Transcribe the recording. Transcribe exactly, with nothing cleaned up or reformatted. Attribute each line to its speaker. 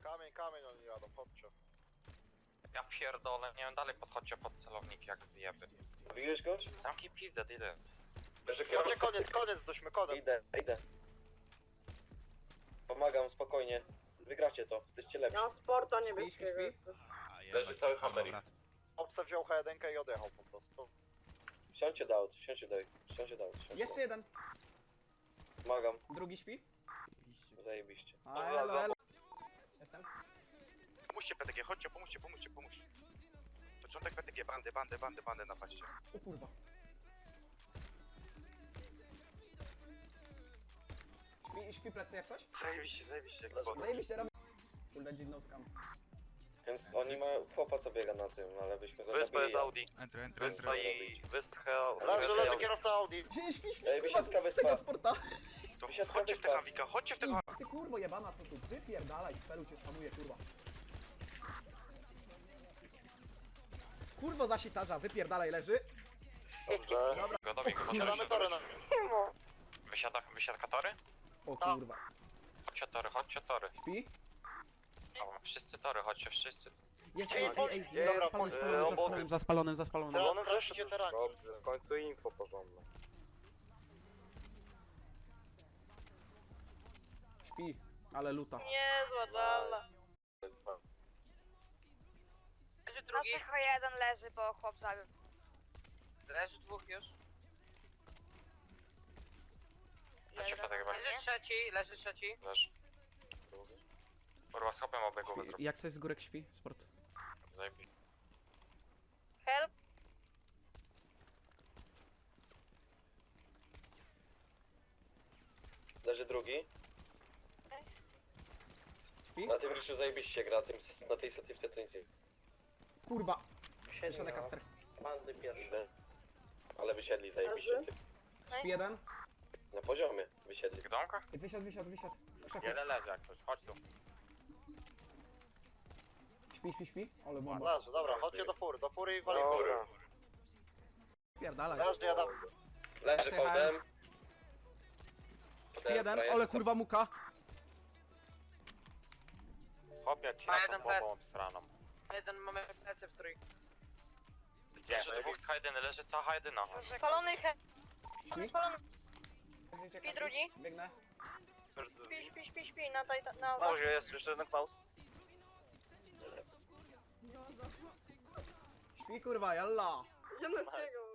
Speaker 1: Kamień, kamień oni jadą, chodźcie.
Speaker 2: Ja pierdolę, nie wiem, dalej podchodźcie pod celownik jak zjeby.
Speaker 3: Widzisz go?
Speaker 2: Zamknij pizdę, idę.
Speaker 1: Chodźcie, koniec, koniec, dośmy koniec.
Speaker 3: Idę, idę. Pomagam, spokojnie. Wygracie to, jesteście lepsi.
Speaker 4: Ja mam sporta niebieskiego.
Speaker 3: Leży cały Hamerik.
Speaker 1: Obce wziął H jeden i odjechał po prostu.
Speaker 3: Wsiądźcie do aut, wsiądźcie do wsiądźcie do aut.
Speaker 5: Jeszcze jeden.
Speaker 3: Pomagam,
Speaker 5: Drugi śpi.
Speaker 3: zajebiście.
Speaker 5: A, elo, elo. Jestem.
Speaker 6: Pomóżcie P T G, chodźcie, pomóżcie, pomóżcie, pomóżcie. Początek P T G, bandy, bandy, bandy, bandy napaście.
Speaker 5: O kurwa. Śpi, śpi plecy jak coś?
Speaker 6: Zajebiście, zajebiście, jak woda.
Speaker 5: Zajebiście robię. Kurde, dziwną skam.
Speaker 3: Więc oni mają chłopa co biega na tym, ale byśmy go
Speaker 2: Wyspa jest
Speaker 3: zabili.
Speaker 2: Audi.
Speaker 7: Entry, entry, entry.
Speaker 2: Wyspa i... Wyspa...
Speaker 1: Leży, leży kierowca Audi.
Speaker 5: Śpi, śpi, śpi,
Speaker 3: Ej,
Speaker 5: kurwa,
Speaker 3: wysiadka
Speaker 5: z
Speaker 3: wyspa.
Speaker 5: tego sporta.
Speaker 6: To
Speaker 3: Wysiadka
Speaker 6: chodźcie w
Speaker 3: wyspa.
Speaker 6: tego Awika, chodźcie w tego.
Speaker 5: Ty kurwo jebana, co tu? Wypierdalaj, z felu cię spanuje, kurwa. Kurwo zasitarza, wypierdalaj, leży.
Speaker 1: Dobrze.
Speaker 5: Dobra.
Speaker 2: Godowi,
Speaker 1: Siadamy tory na...
Speaker 2: Wysiada, wysiadka tory?
Speaker 5: O kurwa.
Speaker 2: Chodźcie tory, chodźcie tory.
Speaker 5: Śpi?
Speaker 2: O, wszyscy tory, chodźcie wszyscy.
Speaker 5: Jest, ej, ej, ej,
Speaker 1: Ej,
Speaker 5: ej,
Speaker 1: dobra,
Speaker 5: spalony,
Speaker 1: po-
Speaker 5: spalony,
Speaker 2: e,
Speaker 5: zaspalonym, zaspalonym, zaspalonym.
Speaker 1: Zielonym też idzie terani.
Speaker 3: Dobrze, w końcu info porządne.
Speaker 5: Śpi, ale luta.
Speaker 4: Niezła dala.
Speaker 8: Leży drugi.
Speaker 4: Nasz jeden leży, bo chłop zabił.
Speaker 8: Leży dwóch już.
Speaker 2: Leci w tak
Speaker 8: Leży trzeci, leży trzeci.
Speaker 2: Leż. Kurwa, z hopem obiegu
Speaker 5: Śpi.
Speaker 2: wyzrób.
Speaker 5: Jak coś z górek śpi? Sport.
Speaker 2: Zajebiście.
Speaker 4: Help.
Speaker 3: Leży drugi.
Speaker 5: Śpi?
Speaker 3: Na tym ryszu zajebiście gra, tym, na tej satywce to nic nie.
Speaker 5: Kurwa. Wysiadek kaster.
Speaker 3: Bandy pierwsze. Ale wysiedli zajebiście. Ty.
Speaker 5: Śpi jeden.
Speaker 3: Na poziomie wysiedli.
Speaker 2: W domkach?
Speaker 5: I wysiadł, wysiadł, wysiadł. W krzaku.
Speaker 2: Jeden leży jak coś, chodź tu.
Speaker 5: Śpi, śpi, śpi. Ale bomba.
Speaker 1: Leży, dobra, chodźcie do fury, do fury i wali fury.
Speaker 3: Dobra.
Speaker 5: Pierdalaj.
Speaker 1: Leży, jadę.
Speaker 3: Leży
Speaker 5: Przejechałem.
Speaker 3: potem.
Speaker 5: Śpi jeden, ale kurwa muka.
Speaker 2: Hopie ci
Speaker 8: Ma
Speaker 2: na
Speaker 8: jeden
Speaker 2: tą bombą straną.
Speaker 8: Jeden mamy plecy w trój.
Speaker 2: Leży dwóch z H jeden, leży cała H jeden.
Speaker 4: Spalony he...
Speaker 5: Śpi?
Speaker 4: Spalony.
Speaker 5: Śpi
Speaker 4: drugi?
Speaker 5: Biegnę.
Speaker 4: Śpi, śpi, śpi, śpi, na taj... na...
Speaker 2: Może jest jeszcze jeden Klaus.
Speaker 5: Śpi kurwa, jalla.
Speaker 4: Ziemnickiego.